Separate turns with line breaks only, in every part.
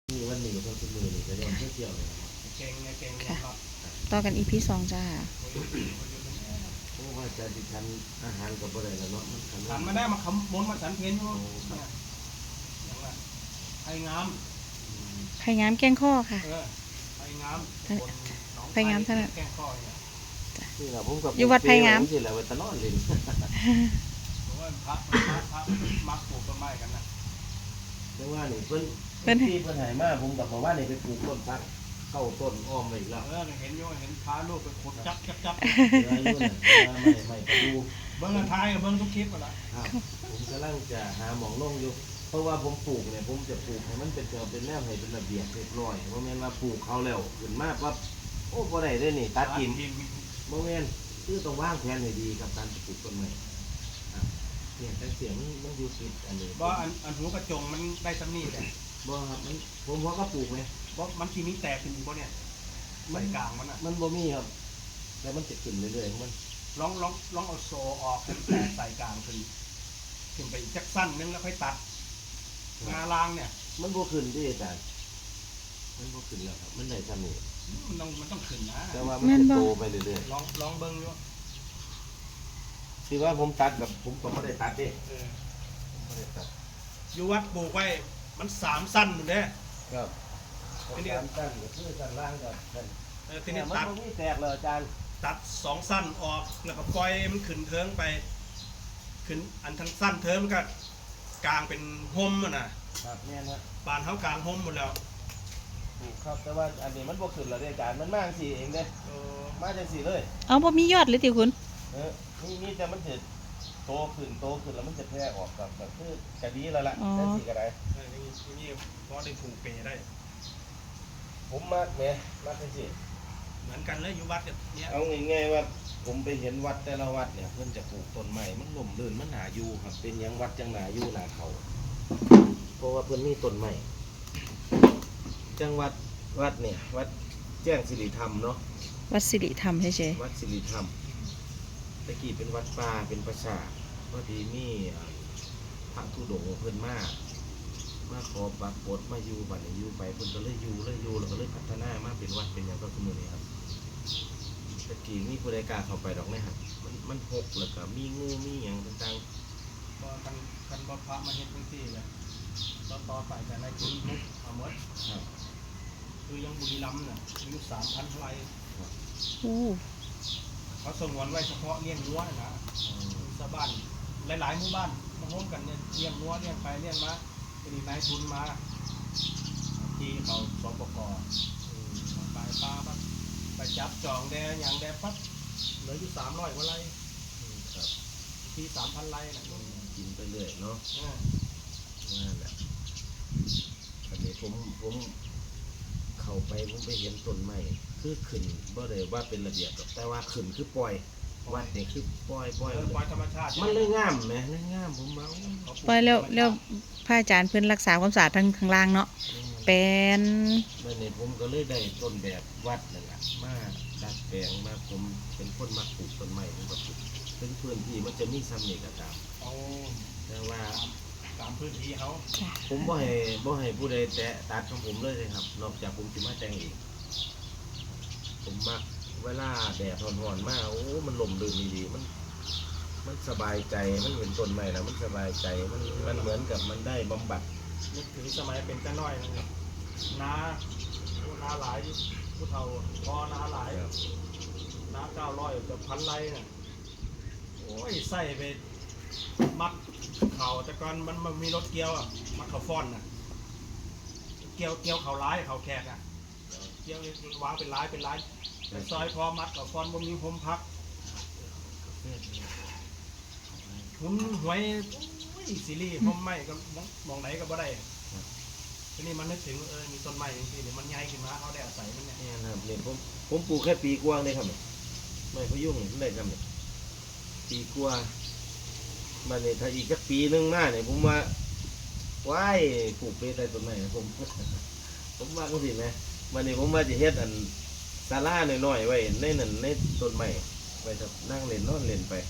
มีวันนี้ก็คือมือนี่ก็ยังเที่ยวเลย
เก่งไงเก่ง
ค่ะ
ครับ
ต่อกัน EP 2จ้า
เพราะว่าจะดิฉันอาหารกับอะไรแล้วเนาะมัน
ฉันมาได้มาคำบนมาฉันเพนอยู่เนี่ยอย่างว่าไผ่งาม
ไผ่งามแกงข้อค่ะ
ไผ่งามบนหนอง
ไผ่งามเท่านั้น
แก้งข้อเนี่ย
นี่แหละผมกับ
อยู่วัดไผ่งาม
ที่แหละวัดตะนอนเลย
เพราะว่าพระมักปลูกต้นไม้กันนะ
แต่ว่านี่เพิ่นที่เพิ่นหายมากผมกับบอกว่านี่ไปปลูกต้นพักเข้าต้นอ้อมไปอีกแล้ว
เห็นโยเห็นพาลูกไปขุดจับ
เดี๋ยวอายุน่ะไม่ไปดู
เบิ้งท้ายกับเบิ้งทุกคลิปหมดละ
ครับผมกำลังจะหาหมองลงอยู่เพราะว่าผมปลูกเนี่ยผมจะปลูกให้มันเป็นแนวให้เป็นระเบียบเรียบร้อยเพราะแม่นว่าปลูกเขาแล้วขึ้นมาปั๊บโอ้บ่ได้เด้นี่ตัดกิน โมเมนต์คือต้องวางแผนให้ดีกับการปลูกต้นไม้เนี่ยแต่เสียงมันอยู่ติดอันนี้
บ่อันหัวกระจงมันได้ซ้ำนี่แต่
บ่ครับมันผมว่าก็ปลูกไหม
บ่มันทีนี้แตกขึ้นบ่เนี่ยใส่กลางมันอ่ะ
มันบ่มีครับแต่มันจะขึ้นเรื่อยๆของมัน
ลองเอาโซออกแตกใส่กลางขึ้นไปอีกจักสั้นนึงแล้วค่อยตัดงาล่างเนี่ย
มันบ่ขึ้นที่อาจารย์มันบ่ขึ้นแล้วครับมันได้ซ้ำนี่
มันต้องขึ้นนะ
แต่ว่ามันจะโตไปเรื่อย
ลองเบิ้งอยู่
ๆที่ว่าผมตัดกับผมก็ไม่ได้ตัดดิไม่ได้ตัด
อยู่วัดปลูกไว้มัน3 สั้นหมดเด้
ครับทีนี้สั้นก็คือสั้นล่างกับสั้น
ทีนี้
มันบ่มีแตกเลยอาจารย์
ตัด2 สั้นออกแล้วก็ปล่อยมันขึ้นเทิงไปขึ้นอันทั้งสั้นเทิงมันก็กลางเป็นห่มอ่ะนะครับ
เนี่ยนะ
ปานเท้ากลางห่มหมดแล้ว
ครับแต่ว่าอันนี้มันบ่ขึ้นแล้วอาจารย์มันมาจังซี่เองเด้มาจังซี่เลย
เอาบ่มียอดเลยติคุณ
นี่แต่มันจะโตขึ้นแล้วมันจะแพร่ออกกับแบบคือกระดีแล้วล่ะนั่นสิกระไร
นี่พอได้ผูกเปได้
ผมมากไหมมากที่สุด
เหมือนกันเลยอยู่วัดกับเนี้ย
เอาง่ายๆว่าผมไปเห็นวัดแต่ละวัดเนี่ยเพื่อนจะปลูกต้นไม้มันล่มลื่นมันหนาอยู่ครับเป็นยังวัดจังหนาอยู่หนาเขาเพราะว่าเพื่อนมีต้นไม้จังวัดเนี่ยวัดแจ้งสิริธรรมเนาะ
วัดสิริธรรมเฉย
วัดสิริธรรมตะกี้เป็นวัดป่าเป็นประสาทพอดีมีพระธุดงค์เพิ่นมาขอบักบดมาอยู่บัดนี้อยู่ไปเพิ่นก็เลยอยู่แล้วก็เลยพัฒนามาเป็นวัดเป็นอย่างก็คือมื้อนี้ครับตะกี้มีผู้ใดกล้าเข้าไปดอกไหมครับมันหกแล้วก็มีงูมีหยังต่าง
ๆก็กันบ่พระมาเฮ็ดจังซี่เลยต่อไปแต่ในพื้นที่เอาหมดคือยังบุรีรัมย์น่ะอายุ3,000 ไร่เขาสงวนไว้เฉพาะเลี้ยงวัวนะชาวบ้านหลายๆหมู่บ้านมาร่วมกันเนี่ยเลี้ยงวัวเลี้ยงไปเลี้ยงมาเป็นนายทุนมาที่เขาสปกไปปลาไปจับจองแดงอย่างแดงปั๊บเหลืออยู่300 กว่าไร่ที่3,000 ไร่นะ
กินไปเรื่อยเนาะนั่นแหละอันนี้ผมเข้าไปผมไปเห็นต้นไม้คือขึ้นบ่ได้ว่าเป็นระเบียบแต่ว่าขึ้นคือปล่อยวัดนี่คือปล่อย
ธรรมชาติ
มันเลยงามไหมเลยงามผมว่า
ปล่อยแล้วพระอาจารย์เพิ่นรักษาความสะอาดทั้งข้างล่างเนาะเป็น
นั่นนี่ผมก็เลยได้ต้นแบบวัดนั่นแหละมาดัดแปลงมาผมเป็นคนมาปลูกต้นไม้ผมก็ปลูกถึงพื้นที่มันจะมีซ้ำนี่ก็ตามแต่ว่า
ตามพื้นที่เขา
ผมบ่ให้ผู้ใดแตะตัดของผมเลยครับนอกจากผมจะมาแต่งเองผมมักเวลาแดดร้อนๆมากโอ้มันลมลื่นดีๆมันสบายใจมันเห็นต้นไม้แล้วมันสบายใจมันเหมือนกับมันได้บำบัด
นึกถึงสมัยเป็นจ้าน้อยนะครับนาหลายผู้เฒ่าพอนาหลายนา900 กับ1,000 ไร่น่ะโอ้ยใส่ไปมัดเข่าแต่ก่อนมันมีรถเกี่ยวอ่ะมัดเข่าฟ้อนน่ะเกี่ยวเข่าร้ายเข่าแขกอ่ะเกี่ยววางเป็นร้ายแต่ซอยพอมัดเข่าฟ้อนบ่มีโฮมพักหุ่นหวยซีรีส์ผมไม่ก็มองไหนก็บ่ได้ทีนี้มันนึกถึงมีต้นไม้จริงๆเนี่ยมันใหญ่ขึ้นมาเขาได้อาศัยมันเนี่ย
ครับเนี่ยผมปลูกแค่ปีกว่าเลยครับไม่พยุ่งเลยครับเนี่ยปีกว่ามันเนี่ยถ้าอีกสักปีนึงหน้าเนี่ยผมว่าว้ายปลูกไปได้ต้นไม้ผมว่าก็สิไหมมันเนี่ยผมว่าจะเฮ็ดอันศาลาหน่อยๆไว้ในนั่นในต้นไม้ไปนั่งเล่นนอนเล่นไป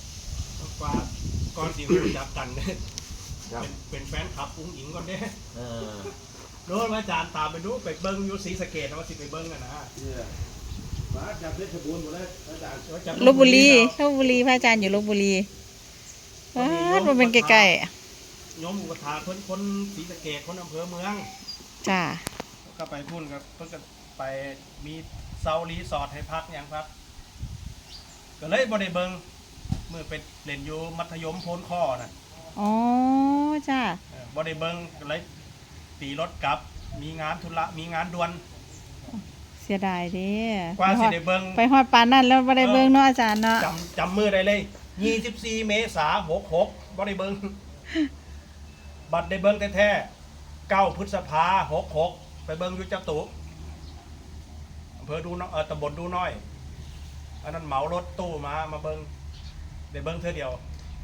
ก่อนที่จะจับกันเนี่ยเป็นแฟนคลับอุ้งอิงก่อนเด้โน่นอาจารย์ตามไปดูไปเบิ้งอยู่ศรีสะเกษนะว่าสิไปเบิ้งกันนะ
เนี่ยมาจากเพชรบูรณ์หมดเลยอาจารย์
ว่าจะ
ลพบุรีพระอาจารย์อยู่ลพบุรีว้ามันเป็นใกล้
โยมอุปถาคนศรีสะเกษคนอำเภอเมือง
ๆจ้า
ก็ไปพุ่นครับเพิ่นก็ไปมีเซารีสอร์ทให้พักอย่างครับก็เลยบ่ได้เบิ่งมื้อไปเล่นอยู่มัธยมโพนข้อน่ะ
อ๋อจ้า
บ่ได้เบิ่งก็เลยตีรถกลับมีงานธุระมีงานด่วน
เสียดายเด้
กว่าสิได้เบิ่ง
ไปฮอดปานนั่นแล้วบ่ได้เบิ่งเนาะอาจารย์เนาะ
จำมือได้เลย24 เมษายน66บ่ได้เบิ่งบัดได้เบิ่งแท้ๆ9 พฤษภาคม66ไปเบิ่งอยู่จตุอำเภอดูน้อยตำบลดูน้อยอันนั้นเหมารถตู้มาเบิ่งได้เบิ่งเทื่อเดียว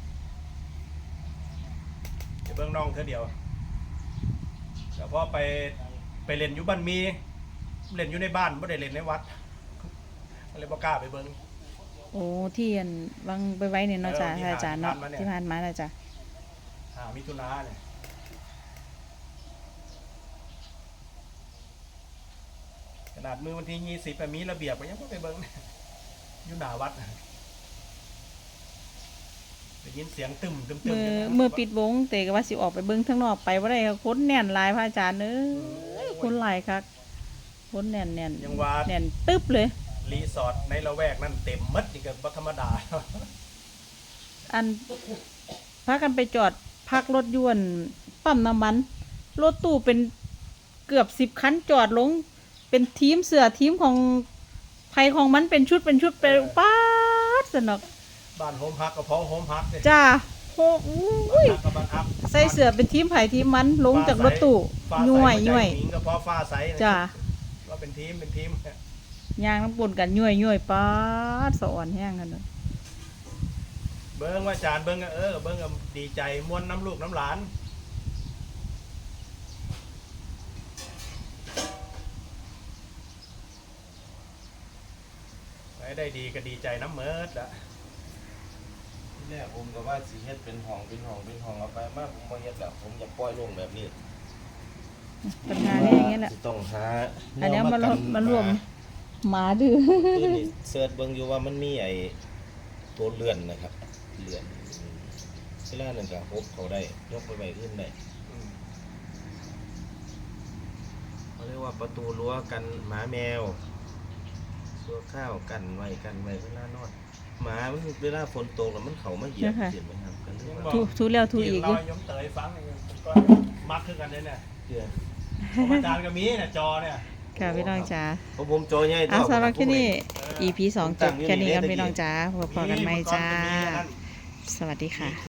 ได้เบิ่งน้องเทื่อเดียวแต่พอไปเล่นอยู่บ้านมีเล่นอยู่ในบ้านไม่ได้เล่นในวัดก็เลยบ่กล้าไปเบิ่ง
โอ้ที่อันวางไปไว้เนี่ยเนาะจ้า
ที่
อาจารย์เนาะ
ผ่านมาเนี่ย
ที่ผ่านมาน่ะจ้ะ
มิถุนาเนี่ยขนาดมือวันที่20มีระเบียบก็ยังบ่ไปเบิ่งอยู่หน้าวัดได้ยินเสียงตึมอยู่นะ
เมื่อปิดวงเตก็ว่าสิออกไปเบิ่งข้างนอกไปบ่ได้ค่ะคนแน่นหลายพระอาจารย์เอ้ยคนหลายคักคนแน่น
ยังว่า
แน่นตึ๊บเลย
รีสอร์ทในละแวกนั่นเต็มหมดนี่ก็บ่ธรรมดา
อันพากันไปจอดพักรถยวนปั๊มน้ำมันรถตู้เป็นเกือบ10 คันจอดลงเป็นทีมเสือทีมของไผของมันเป็นชุดไปป๊าดสนุก
บ้านโฮมฮักกับพอโฮมฮักเนี่ย
จ้าโอ้ย
ฮักกับบ้านฮัก
ใส่เสือเป็นทีมไผทีมมันลงจากรถตู้
ฟ้าใส
ย่วย
หัใจหญิงกับพอฟ้าใส
จ้า
ว่าเป็นทีม
ย่างน้ำปนกันย่วยป๊าดสะอ่อนแห้งกันเลย
เบิ้งว่าจานเบิ้งก็เบิ้งก็ดีใจม้วนน้ำลูกน้ำหลานไปได้ดีก็ดีใจน้ำเมิดละ
ที่แรกผมก็ว่าสิเฮ็ดเป็นห้องเอาไปมาผมบ่เฮ็ดแล้วผมจะปล่อยลงแบบนี้
ปัญหาเนี่ยอย่างเงี้ยแหละ
สิต้องหา
อันเนี้ยมันรวมหมาดื้อ
คือนี่เสิร์ชเบิ่งอยู่ว่ามันมีไอ้ตัวเลื่อนนะครับเลื่อนเวลานั้นก็ฮบเขาได้ยกไปไว้อื่นได้เขาเรียกว่าประตูรั้วกันหมาแมวตัวข้าวกันไว้เวลานอนหมามันเวลาฝนตกแล้วมันเข้ามาเหยียบเห็นไหมครับกันเรื่องว่า
ทูแล้วทูอีกอ
เรา
ยู่
ยมเตยฟังก็มักขึ้นกันเลยเนี่ย
เดือน
ของอาจารย์ก็มีเนี่ยจอเนี่ย
ค่ะพี่น้องจ๋า
เพราะผมโจใหญ่
อ่ะ
เท่า
สำหรับที่นี่
ผม
EP 2 จบแค่นี้กันพี่น้องจ๋าพบกันใหม่จ้า
มีมันก็มีอันนั้น
สวัสดีค่ะ